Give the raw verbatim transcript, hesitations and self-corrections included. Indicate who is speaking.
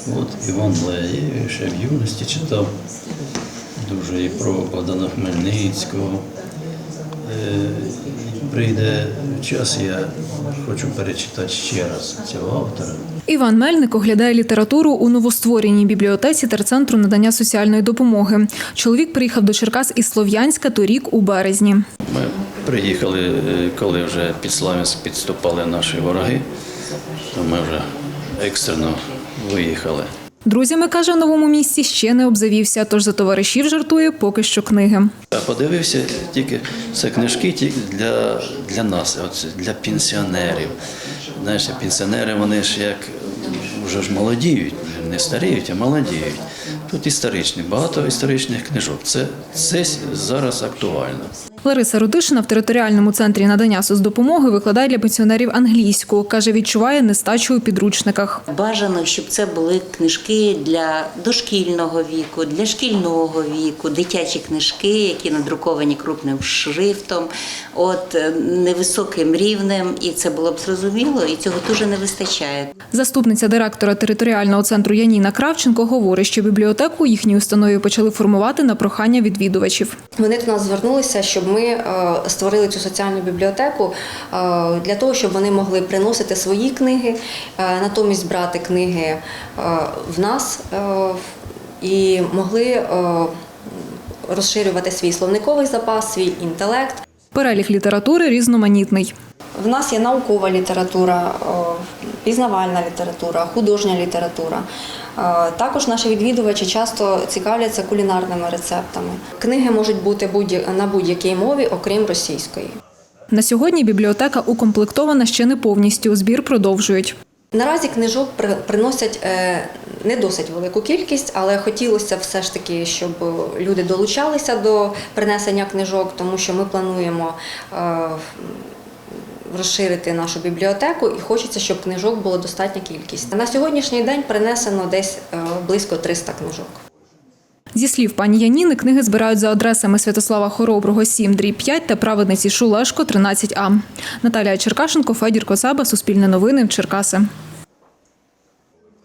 Speaker 1: От Іван Леєв, ще в юності читав дуже і про Богдана Хмельницького. Прийде час, я хочу перечитати ще раз цього автора.
Speaker 2: Іван Мельник оглядає літературу у новоствореній бібліотеці терцентру надання соціальної допомоги. Чоловік приїхав до Черкас із Слов'янська торік у березні.
Speaker 1: Ми приїхали, коли вже під Слов'янськ підступали наші вороги, то ми вже екстрено виїхали.
Speaker 2: Друзями, каже, в новому місці ще не обзавівся, тож за товаришів жартує поки що книги.
Speaker 1: Я подивився, тільки це книжки тільки для, для нас, от, для пенсіонерів. Знаєш, пенсіонери, вони ж як вже ж молодіють, не старіють, а молодіють. Тут історичні, багато історичних книжок. Це, це зараз актуально.
Speaker 2: Лариса Рудишина в територіальному центрі надання соцдопомоги викладає для пенсіонерів англійську. Каже, відчуває нестачу у підручниках.
Speaker 3: Бажано, щоб це були книжки для дошкільного віку, для шкільного віку, дитячі книжки, які надруковані крупним шрифтом, от невисоким рівнем, і це було б зрозуміло, і цього дуже не вистачає.
Speaker 2: Заступниця директора територіального центру Яніна Кравченко говорить, що бібліотеку їхній установі почали формувати на прохання відвідувачів.
Speaker 4: Вони до нас звернулися, щоб ми створили цю соціальну бібліотеку для того, щоб вони могли приносити свої книги, натомість брати книги в нас і могли розширювати свій словниковий запас, свій інтелект.
Speaker 2: Перелік літератури різноманітний.
Speaker 4: В нас є наукова література, пізнавальна література, художня література. Також наші відвідувачі часто цікавляться кулінарними рецептами. Книги можуть бути на будь-якій мові, окрім російської.
Speaker 2: На сьогодні бібліотека укомплектована ще не повністю, збір продовжують.
Speaker 4: Наразі книжок приносять не досить велику кількість, але хотілося все ж таки, щоб люди долучалися до принесення книжок, тому що ми плануємо розширити нашу бібліотеку і хочеться, щоб книжок було достатня кількість. На сьогоднішній день принесено десь близько триста книжок.
Speaker 2: Зі слів пані Яніни, книги збирають за адресами Святослава Хороброго, сім дріб п'ять та Праведниці Шулешко, тринадцять А. Наталія Черкашенко, Федір Коцаба, Суспільне новини, Черкаси.